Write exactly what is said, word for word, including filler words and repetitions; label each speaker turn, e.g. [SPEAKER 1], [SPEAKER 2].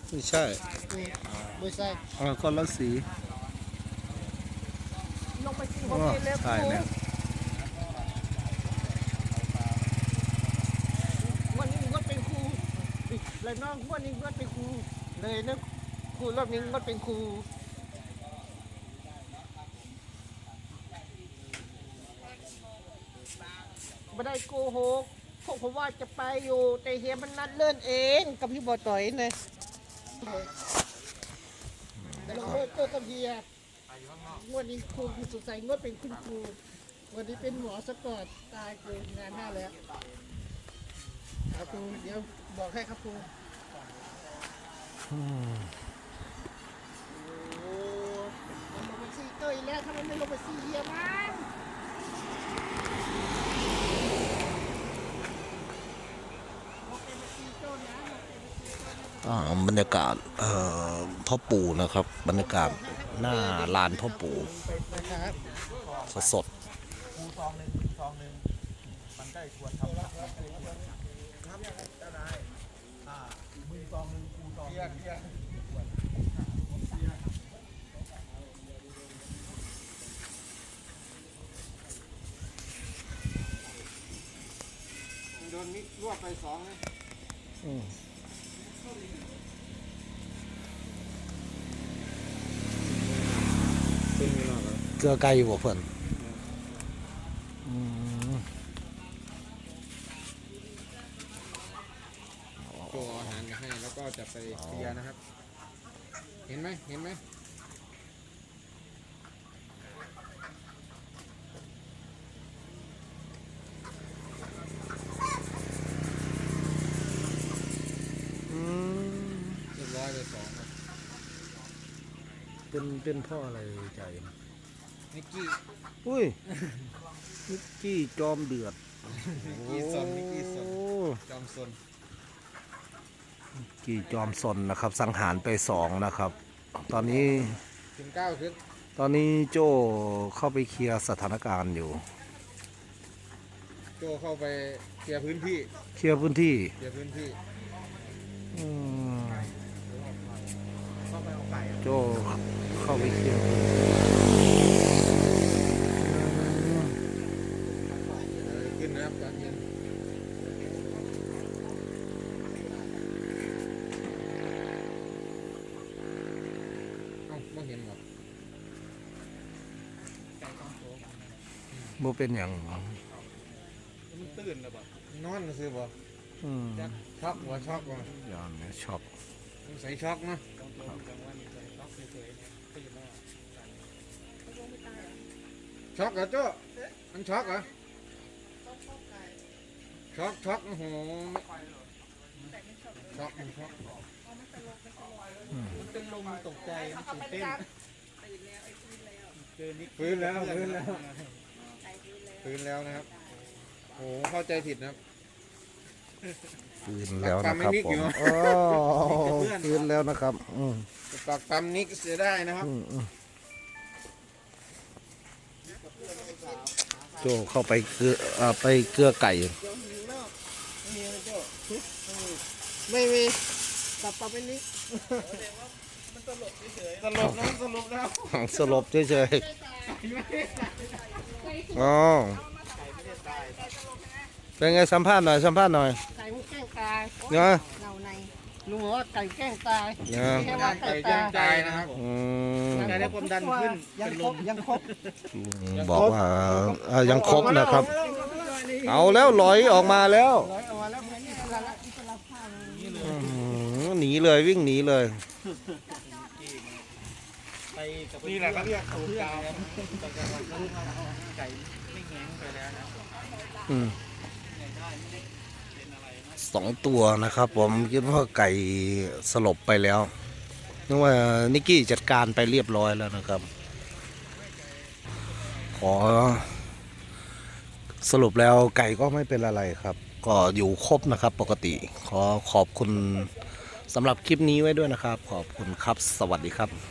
[SPEAKER 1] ไม่ใช่
[SPEAKER 2] ไม่ใช่
[SPEAKER 1] อ่าคนละสี
[SPEAKER 2] ลงไปกิน
[SPEAKER 1] อ๋
[SPEAKER 2] ของ
[SPEAKER 1] อ
[SPEAKER 2] เองแล้ว
[SPEAKER 1] ใช่เนี่ย
[SPEAKER 2] วันนี้งดเป็นครูเลยน้องวันนี้งดเป็นครูเลยนะครูรอบนี้งดเป็นครูไม่ได้โกหกพวกผมว่าจะไปอยู่แต่เฮียมันนัดเลื่อนเองกับพี่บอต่อยนะแต่เราเลิกเจอกับเฮียวันนี้ครูสุดใสงดเป็นคุณครูวันนี้เป็นหมอสะกอตตายเกินงานห้าแล้วครับครูเดี๋ยวบอกให้ครับครูโอ้มันลงไปซีเกยแล้วทำไมไม่ลงไปซีเฮียมัน
[SPEAKER 1] อ่าบรรยากาศเอ่อพ่อปู่นะครับบรรยากาศหน้าลานพ่อปู่
[SPEAKER 2] นะครับ
[SPEAKER 1] สดสด
[SPEAKER 3] ครูซองหนึ่งซองหนึ่งมันได้ควรทำครับครับได้ได้อ่ามือซองหนึ่งครูซองเรียกเรียกโดนมิดรวบไปสองนะ
[SPEAKER 1] อืมเกลือไก่บ่เพิ่นอืม
[SPEAKER 3] โจอาหารมาให้แล้วก็จะไปเคลียร์นะครับ เห็นไหมเห็นไหมเรียบร้อยไปสองครับ
[SPEAKER 1] เป็นเป็นพ่ออะไรใจ
[SPEAKER 3] นิกกี้
[SPEAKER 1] อุ้ยนิกกี้จอมเดือด
[SPEAKER 3] นิกกี้ซนนิกกี้ซน
[SPEAKER 1] โอ้
[SPEAKER 3] จอมซน
[SPEAKER 1] กี่จอมสนนะครับสังหารไปสองนะครับ ตอนนี้
[SPEAKER 3] ถึงเก้าขึ้น
[SPEAKER 1] ตอนนี้โจ้เข้าไปเคลียร์สถานการณ์อยู่
[SPEAKER 3] โจเข้าไปเคลียร์พื้นที่
[SPEAKER 1] เคลียร์พื้นที่
[SPEAKER 3] เคลียร์พื้นที่
[SPEAKER 1] อืม
[SPEAKER 3] เข้าไปเอาไก่
[SPEAKER 1] โจ้เข้าไปเคลียร์พื้นที่
[SPEAKER 3] ขึ้นนะครับการเย็นเอ้าไม่เห็นหรอก
[SPEAKER 1] บ่เป็นอย่าง
[SPEAKER 3] มันตื่นแล้วบ่นอนซื้อบ่
[SPEAKER 1] อืม
[SPEAKER 3] ช็อกบ่ช็อกบ่
[SPEAKER 1] อย่างนี้ช็อก
[SPEAKER 3] ใส่ช็อกนะช็อกเหรอโจ้มันช็อกเหรอช็อกช็อกโอ้โหช็อกมันช็อก
[SPEAKER 2] มันเป็นลมตกใจมันตื่นเต้น
[SPEAKER 3] ฟื้นแล้วฟื้นแล้วฟื้นแล้วนะครับโอ้โหเข้าใจผิดนะครับ
[SPEAKER 1] ฟื้นแล้วนะครับ
[SPEAKER 3] ปากปามไม่นิก
[SPEAKER 1] ผ
[SPEAKER 3] อยู่
[SPEAKER 1] ม
[SPEAKER 3] เหรอ
[SPEAKER 1] โอ้ฟื้นแล้วนะครับอืม
[SPEAKER 3] ปากปั๊มนิกเสียได้นะครับ
[SPEAKER 1] อืมอืมโจ้เข้าไปเกลือเอ่อไปเกลือไก่
[SPEAKER 2] ไม่มีกลับไปเป็นนี้
[SPEAKER 3] ตลกนะสรุปแล้ว
[SPEAKER 1] สลบเฉยๆอ๋อเป็นไงสัมภาษณ์หน่อยสัมภาษณ์หน่อย
[SPEAKER 2] ไก่มันแกล้งตาย
[SPEAKER 1] เนาะ
[SPEAKER 2] เงาในลุงบอกว่าไก่แกล้งตาย
[SPEAKER 1] เนาะ
[SPEAKER 2] แค่ว่า
[SPEAKER 3] ไก่
[SPEAKER 2] ไก่
[SPEAKER 3] ย่า
[SPEAKER 2] ตาง
[SPEAKER 3] ใจนะครับ
[SPEAKER 1] อืม
[SPEAKER 3] ไก่ได้ความดันขึ้น
[SPEAKER 2] ยังครบยังครบ
[SPEAKER 1] บอกว่าเอ่อยังครบนะครับ เอาแล้วลอยออกมาแล้ว
[SPEAKER 2] ร้อยเอามาแล้วมันนี่ละละอิสระภาพ
[SPEAKER 1] อื้อหือหนีเลยวิ่งหนีเลย
[SPEAKER 3] นี่แหละเขาเรียกสูตรกาว
[SPEAKER 2] ไก่ไม่แง้งไปแล้วนะ
[SPEAKER 1] อืมสองตัวนะครับ ผมคิดว่าไก่สลบไปแล้วนึกว่านิกกี้จัดการไปเรียบร้อยแล้วนะครับ ขอสรุปแล้วไก่ก็ไม่เป็นอะไรครับ ก็อยู่ครบนะครับ ปกติ ขอขอบคุณสำหรับคลิปนี้ไว้ด้วยนะครับ ขอบคุณครับ สวัสดีครับ